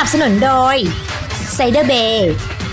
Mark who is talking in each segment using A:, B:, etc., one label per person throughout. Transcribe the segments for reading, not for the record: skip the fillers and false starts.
A: บสนุนโดยไซเดอร์เบย์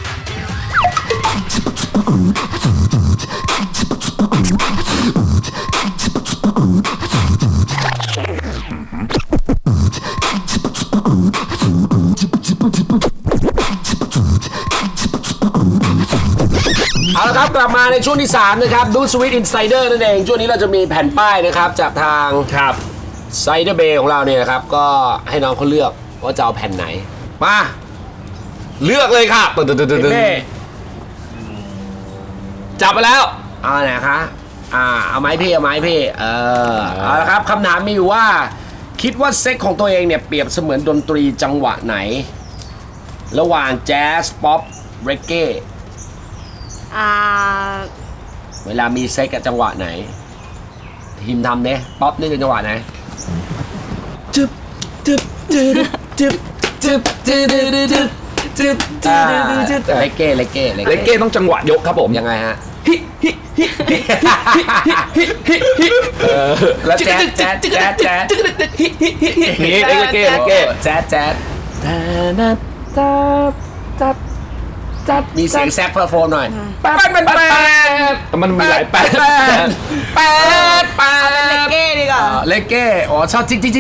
B: เอาละครับกลับมาในช่วงที่3นะครับดูสวิตอินไซเดอร์นั่นเองช่วงนี้เราจะมีแผ่นป้ายนะครับจากทางไซเดอร์เบย์ของเราเนี่ยนะครับก็ให้น้องเขาเลือกว่าจะเอาแผ่นไหนมาเลือกเลยค่ะจับไปแล้วเอาไหนคะเอาไม้พี่เอาละครับคำถามมีอยู่ว่าคิดว่าเซ็กของตัวเองเนี่ยเปรียบเสมือนดนตรีจังหวะไหนระหว่างแจ๊สป๊อปเรเก้เวลามีเซ็กกับจังหวะไหนทีมทำเนี่ยป๊อปนี่เป็นจังหวะไหนจึ๊บจึ๊บจึ๊บจึ๊บจึ๊บจึ๊บจึ๊บจึ๊บจึ๊บเลเก้
C: ต้องจังหวะยกครับผม
B: ยังไงฮะแล้วแจ๊ส
C: นี่เลเก้
B: แจ๊สมีเสียงแซกโฟนหน่อย
C: มันมีหลายแปด
D: เลเก้ดีกว่า
B: เลเก้อ๋อชอบจิก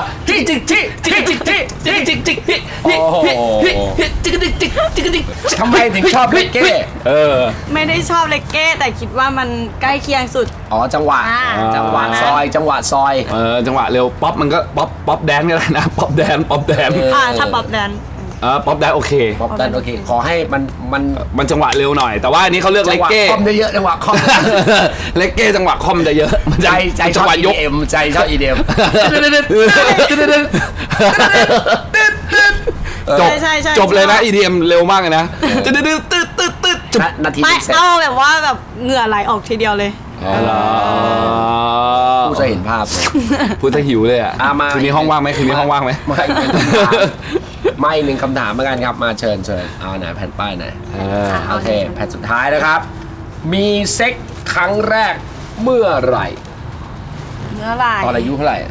B: ทำไมถึงชอบเลเก้
D: ไม่ได้ชอบเลเก้แต่คิดว่ามันใกล้เคียงสุด
B: อ๋อจังหวะซอยจังหวะ
C: เร็วป๊อปมันก็ป๊อปแดนก็ได้นะป๊อปแดน
D: ถ้าป๊อปแดน
C: ป๊อปได้โอเค
B: ขอให้
C: มันจังหวะเร็วหน่อยแต่ว่าอันนี้เขาเลือกเลเก้
B: คอมเยอะจังหวะคอม
C: เลเก้จังหวะคอมจะเยอะ
B: ใจจังหวะยกใจชอบ EDM
C: จบเลยนะ EDM เร็วมากเลยนะ
B: นาที
D: ไม่เอาแบบว่าแบบเหงื่อไหลออกทีเดียวเลย
B: ผู้จะเห็นภาพ
C: พูดจะหิวเลยอ่ะคืนนี้ห้องว่างไหม
B: ไม่หนึ่งคำถามเหมือนกันครับมาเชิญเอาไหนแผ่นป้ายไหนโอเคแผ่นสุดท้ายนะครับมีเซ็กครั้งแรกเมื่อไหร่ตอนอายุเท่าไหร่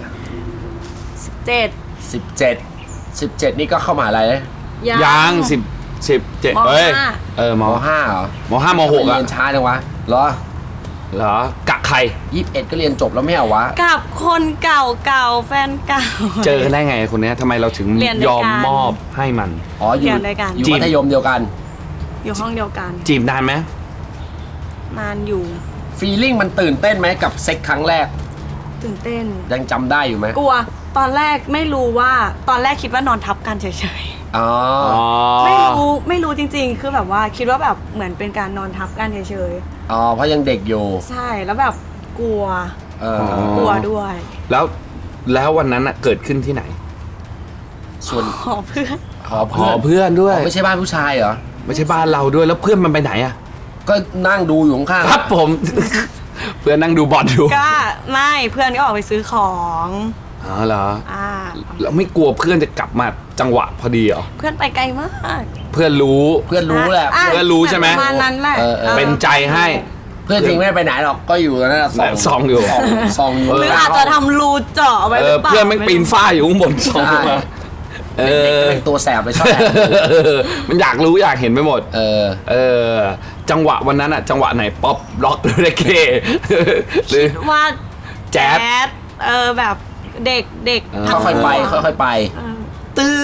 B: 17นี่ก็เข้ามหาลัยเลย
C: ยัง17เฮ้ยม
B: .5 เหรอ
C: ม.5 ม.6
B: เรียนช้าจังวะเหร
C: อกะใคร
B: 21ก็เรียนจบแล้วไม่เหรอวะ
D: กับคนเก่าแฟนเก่า
C: เจอกันได้ไงคนนี้ทำไมเราถึงยอมมอบให้มัน
B: อยู่มัธยมเดียวกัน
D: อยู่ห้องเดียวกัน
C: จีบนานไหม
D: นานอยู่
B: ฟีลลิ่งมันตื่นเต้นไหมกับเซ็กครั้งแรก
D: ตื่นเต้น
B: ยังจำได้อยู่ไหม
D: กลัวตอนแรกไม่รู้ว่าตอนแรกคิดว่านอนทับกันเฉยๆไม่รู้จริงๆคือแบบว่าคิดว่าแบบเหมือนเป็นการนอนทับกันเฉย
B: ๆเพราะยังเด็กอยู่
D: ใช่แล้วแบบกลัวด้วย
C: แล้ววันนั้นเกิดขึ้นที่ไหน
B: ส่วน
D: หอเ
C: พื่อนด้วย
B: ไม่ใช่บ้านผู้ชายเหรอ
C: ไม่ใช่บ้านเราด้วยแล้วเพื่อนมันไปไหน
B: ก็นั่งดูอยู่ข้าง
C: ครับผมเพื่อนนั่งดูบอลอยู่
D: ก็ไม่เพื่อนก็ออกไปซื้อของ
C: เหรอแล้วไม่กลัวเพื่อนจะกลับมาจังหวะพอดีเหรอ
D: เพื่อนไปไกลมาก
C: เพื่อนรู้
B: แหละ
C: เพื่อนรู้ใช่ไหม
D: ประมาณนั้นแหละ
C: เป็นใจให้
B: เพื่อนจริงไม่ไปไหนหรอกก็อยู่ตรงนั้น
C: ซองอยู่
D: หรืออาจจะทำรูเจาะไว้หรือเปล่า
C: เพื่อนไม่ปีนฝ้าอยู่ข้างบนซองมา
B: เป็นตัวแสบไปชอบ
C: มันอยากรู้อยากเห็นไปหมดจังหวะวันนั้นจังหวะไหนป๊อปร็อกเรเก้
D: หรือว่า
C: แจ๊ส
D: แบบเด็ก
B: ค่อยๆไป
C: ตื้อ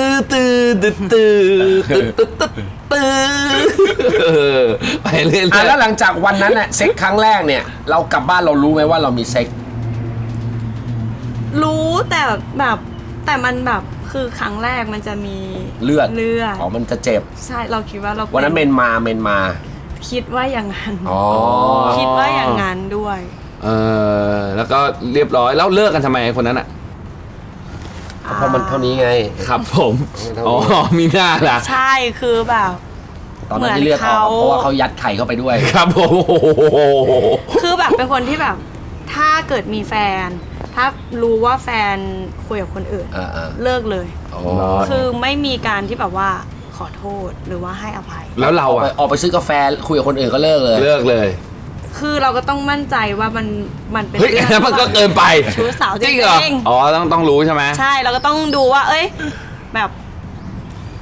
C: ไปเรื่อย
B: ๆแล้วหลังจากวันนั้นเซ็กครั้งแรกเนี่ยเรากลับบ้านเรารู้ไหมว่าเรามีเซ็ก
D: รู้แต่แบบแต่มันแบบคือครั้งแรกมันจะมี
B: เลือดมันจะเจ็บ
D: ใช่เราคิดว่าเรา
B: วันนั้นเมนมา
D: คิดว่าอย่างนั้นคิดว่าอย่างนั้นด้วย
C: แล้วก็เรียบร้อยแล้วเลิกกันทำไมคนนั้น
B: เพราะมันเท่านี้ไง
C: ครับผมมีหน้าล่ะ
D: ใช่คือแบบ
B: ตอนนั้นที่เลือกเขาเพราะว่าเขายัดไข่เข้าไปด้วย
C: ครับผม
D: คือแบบเป็นคนที่แบบถ้าเกิดมีแฟนถ้ารู้ว่าแฟนคุยกับคนอื่นเลิกเลยคือไม่มีการที่แบบว่าขอโทษหรือว่าให้อภัย
C: แล้วเรา
B: ออกไปซื้อกาแฟคุยกับคนอื่นก็เลิกเลย
D: คือเราก็ต้องมั่นใจว่ามันเป็น
C: เรื่องนั้นมันก็เกินไป
D: ชู้สาวจริง
C: ต้องรู้ใช่ไหม
D: ใช่เราก็ต้องดูว่าแบบ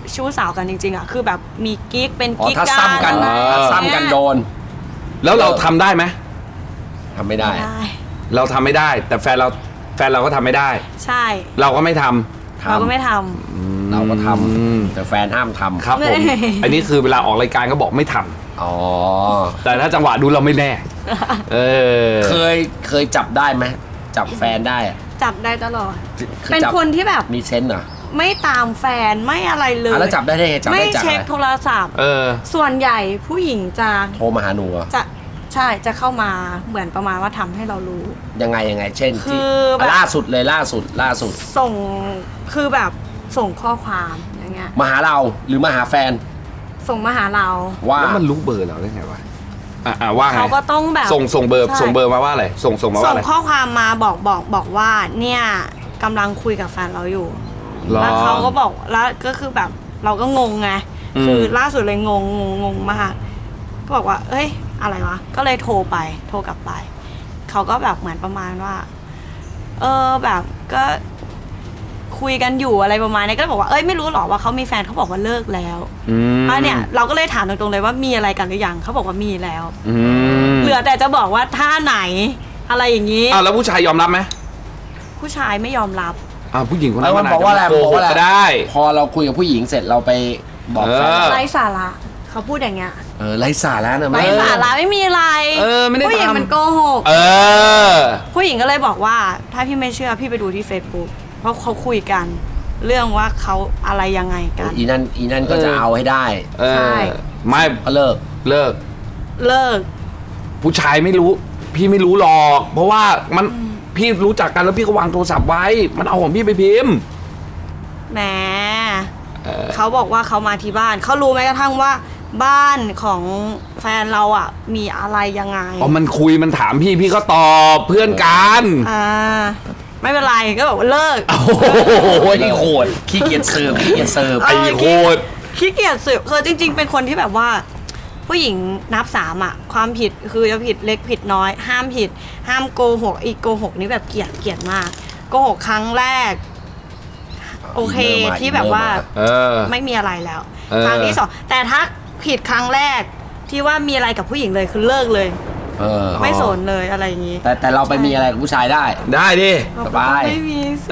D: ชู้สาวกันจริงๆอ่ะคือแบบมีกิ๊กเป็น
B: อ๋อ
D: กิ๊ก
B: ถ้า
D: กัน
B: ซ้ำกัน
C: อ่า
B: ถ้าซ้ำกันโดน
C: แล้วเราทำได้ไหม
B: ทำไม่ได้
D: ได้
C: เราทำไม่ได้ แต่แฟนเราก็ทำไม่ได้
D: ใช่
C: เราก็ไม่ทำ
D: เราก็ไม่ท
B: เราก็ท
C: อืม
B: ำแต่แฟนห้ามทำ
C: ครับผม อันนี้คือเวลาออกรายการก็บอกไม่ทำ
B: อ๋อ
C: แต่ถ้าจังหวะดูเราไม่แน่ เออ
B: เคยจับได้ไหมจับแฟนได้อะ
D: ำจับได้ตลอด
B: คือ
D: เป็น
B: จับ
D: คนที่แบบ
B: มีเซนส์เหรอ
D: ไม่ตามแฟนไม่อะไรเลย
B: แล้วจับได้ไงจับ
D: ไม่
B: ได้จาก
D: เช็ค
B: อะไร
D: โทรศัพท์
C: เออ
D: ส่วนใหญ่ผู้หญิงจะ
B: โทรมาหาหนูเหรอ
D: จะใช่จะเข้ามาเหมือนประมาณว่าทำให้เรารู้
B: ยังไงเช่น
D: คื
B: ที่
D: อแบบ
B: ล่าสุดเลยล่าสุด
D: ส่งคือแบบส่งข้อความอย่างเงี้ย
B: มาหาเราหรือมาหาแฟน
D: ส่งมาหาเรา
B: ว่า
C: แล้วมันรู้เบอร์เราได้ไงวะ ว่าไง
D: เขาก็ต้องแบบ
C: ส่งเบอร์
D: ใช่
C: ส่งเบอร์มาว่าอะไร ส่งมาว่า
D: ส่ง
C: อะไร
D: ข้อความมาบอกว่าเนี่ยกำลังคุยกับแฟนเราอยู่
C: หรอ
D: แล้วเขาก็บอกแล้วก็คือแบบเราก็งงไง
C: อืม
D: คือล่าสุดเลยงงมากก็บอกว่า เอ้ยอะไรวะก็เลยโทรกลับไปเขาก็แบบเหมือนประมาณว่าแบบก็คุยกันอยู่อะไรประมาณนี้ก็เลยบอกว่าเอ้ยไม่รู้หรอว่าเขามีแฟนเขาบอกว่าเลิกแล้ว เนี่ยเราก็เลยถามตรงๆเลยว่ามีอะไรกันหรือยังเขาบอกว่ามีแล้ว เหลือแต่จะบอกว่าท่าไหนอะไรอย่างนี้
C: แล้วผู้ชายยอมรับไหม
D: ผู้ชายไม่ยอมรับ
C: ผู้หญิงคน
B: แล้
C: นั้
B: วน มัน
C: อาจ
B: บอกว่าอะไร
C: จะโก
B: บอก
C: ห
B: ว่าก อะไร
C: ก็ได้
B: พอเราคุยกับผู้หญิงเสร็จเราไปบอกแฟน
D: ไร้สาระเขาพูดอย่างเงี้ย
B: ไร้สาระนะ
D: ไร้สาระไม่มีอะไร
C: ไม่ได้
D: ผู้หญิง
C: ทำ
D: มันโกหก ผู้หญิงก็เลยบอกว่า ถ้าพี่ไม่เชื่อพี่ไปดูที่ Facebook เพราะเขาคุยกัน เรื่องว่าเขาอะไรยังไงกัน
B: อีนั่นก็จะเอาให้ได้
D: ใช่
C: ไม่
B: ก็เลิก
C: เลิก
D: เลิก
C: ผู้ชายไม่รู้ พี่ไม่รู้หรอก เพราะว่ามันพี่รู้จักกันแล้วพี่ก็วางโทรศัพท์ไว้ มันเอาของพี่ไปพิมพ์
D: แหมเขาบอกว่าเขามาที่บ้านเขารู้แม้กระทั่งว่าบ้านของแฟนเราอ่ะมีอะไรยังไง
C: มันคุยมันถามพี่ก็ตอบเพื่อนกัน
D: ไม่เป็นไรก็บอกว่าเลิก
C: โอ้โหโหด
B: ขี้เกียจเสิร์ฟ
C: ไอ้โหด
D: ขี้เกียจสืบคือจริง ๆ เป็นคนที่แบบว่า ผู้หญิงนับ3อ่ะความผิดคือจะผิดเล็กผิดน้อย ห้ามผิด ห้ามโกหกอีกโกหกนี่แบบเกลียดมากโกหกครั้งแรก โอเคที่แบบว่าไม่มีอะไรแล้วครั้งที่สองแต่ถ้าผิดครั้งแรกที่ว่ามีอะไรกับผู้หญิงเลยคือเลิกเลยไม่สนเลยอะไรอย่างนี้
B: แต่เราไปมีอะไรกับผู้ชายได้
C: ได้ดิ
B: สบาย
D: ไม่มีสิ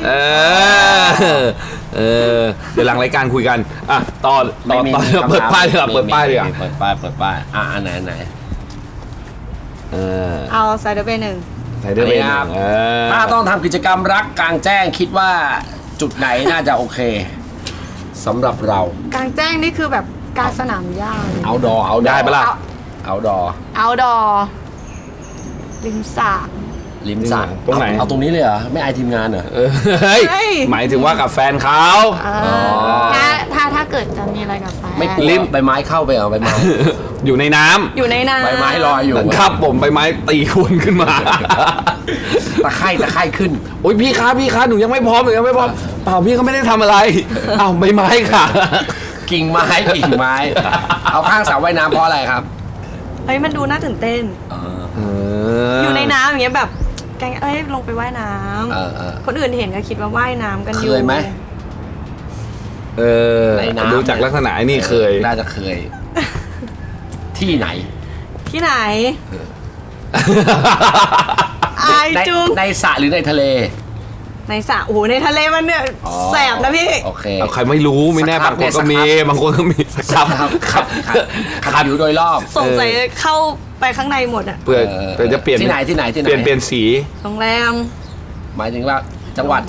C: เดี๋ยวหลังรายการคุยกันต่อเปิดป้ายดีกว่าเปิดป้ายดีกว่า
B: เปิดป้ายอันไหน
D: เอาไซเดอร์เบย์หนึ่ง
C: ใส่ได้เลย
B: ครับ ถ้าต้องทำกิจกรรมรักกลางแจ้งคิดว่าจุดไหนน่าจะโอเคสำหรับเรา
D: กลางแจ้งนี่คือแบบกลารสนามหญ้าเลย
B: เอาดอเอา
C: ได้ปะล่ะ
B: เอาดอ
D: เอาดอริมสระ
B: ริมสระ
C: ตรงไหน
B: เอาตรงนี้เลยเหรอไม่อายทีมงานเหรอ
C: เฮ้ยหมายถึงว่ากับแฟนเขา
D: ถ้าเกิดจะมีอะไรกับแฟน
B: ไม่กลัวใบไม้เข้าไปเหรอใบไม้
C: อยู่ในน้ำ
D: อยู่ในน้ำ
B: ใบไม้ลอยอยู่
C: ครับผมใบไม้ตีคนขึ้นมา
B: ตะไคร่ขึ้น
C: โอ้ยพี่คะหนูยังไม่พร้อมเปล่าพี่ก็ไม่ได้ทำอะไรอ้าวใบไม้ค่ะ
B: กิ่งไม้เอาข้างสระว่ายน้ำเพราะอะไรครับ
D: เฮ้ยมันดูน่าตื่นเต้น อยู่ในน้ำอย่างเงี้ยแบบแกงลงไปว่ายน้ำคนอื่นเห็นก็คิดว่าว่ายน้ำกันอยู่
B: เคยไหม ในน้ำ
C: ดูจากลักษณะไอ้นี่เคย
B: น่าจะเคย ที่ไหน
D: ที่ไหนอายจุง
B: ในสระหรือในทะเล
D: ในสระโอ้โหในทะเลมันเนี่ยแสบนะพี่
B: โอเค
C: เอาใครไม่รู้ไม่แน่บางคนก็มีบางคนก็มีครับ
B: ขับอยู่โดยรอบ
D: สงสัยเข้าไปข้างในหมดอ่ะ
C: เพื่อจะเปลี่ยน
B: ที่ไหน
C: เปลี่ยนสี
D: โรงแรม
B: หมายถึงว่าจังหวัด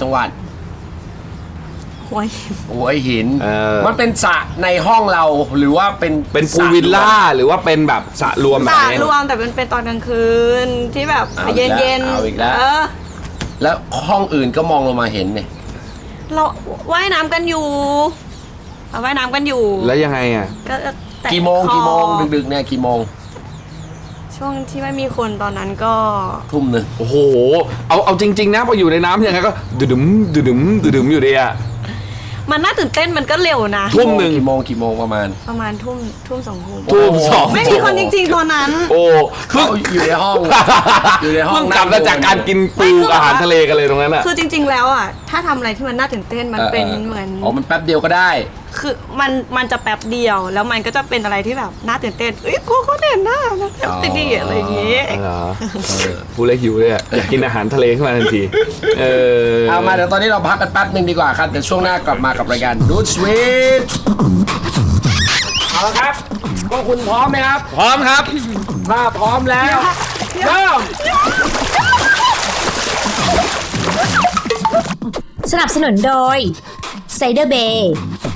D: หัวหิน
B: หัวหินมันเป็นสระในห้องเราหรือว่าเป็น
C: พูลวิลล่าหรือว่าเป็นแบบสระรวมแบ
D: ส
C: บ
D: ระ
C: นี้
D: รวมแต่เป็นตอนกลางคืนที่แบบเย็นๆ
B: เอาอีกแล้วแล้วห้องอื่นก็มองลงมาเห็นเนี่ย
D: เราว่ายน้ำกันอยู่เราว่ายน้ำกันอยู่
C: แล้วยังไงอ่ะ
D: ก็แตะ
B: กี่โมง
D: คอ
B: ดึกๆเนี่ยกี่โมง
D: ช่วงที่ไม่มีคนตอนนั้นก็
B: ทุ่มหนึ่ง
C: โอ้โหเอาจริงๆนะพออยู่ในน้ำยังไงก็ดึมอยู่ดีอ่ะ
D: มันน่าตื่นเต้นมันก็เร็วนะ
C: ทุ่มหนึ่ง
B: กี่โมงประมาณ
D: ทุ่มสองทุ่ม
C: ทุ่มสอง
D: ไม่มีคนจริงๆตอนนั้น
C: โอ้
B: เขาอยู่ในห้อง อยู่ในห้อง
C: เพิ่งกลับมาจากการกินปูอาหารทะเลกันเลยตรงนั้นอ่ะ
D: คือจริง ๆ แล้วอ่ะถ้าทำอะไรที่มันน่าตื่นเต้นมันเป็นเหมือน
B: มันแป๊บเดียวก็ได้
D: คือมันจะแป๊บเดียวแล้วมันก็จะเป็นอะไรที่แบบน่าตื่นเต้นกลัวเขาเด่นหน้านะแป๊บดีอะไรอย่างงี้
C: เหรอพูดแล้วหิวเลยอะอยากกินอาหารทะเลขึ้นมาทันที
B: เอามาเดี๋ยวตอนนี้เราพักกันแป๊บหนึ่งดีกว่าครับเดี๋ยวช่วงหน้ากลับมากับรายการดูดสวีทเอาละครับพวกคุณพร้อมไหมครับ
C: พร้อมครับ
B: ถ้าพร้อมแล้วเริ่ม
A: สนับสนุนโดยไซเดอร์เบย์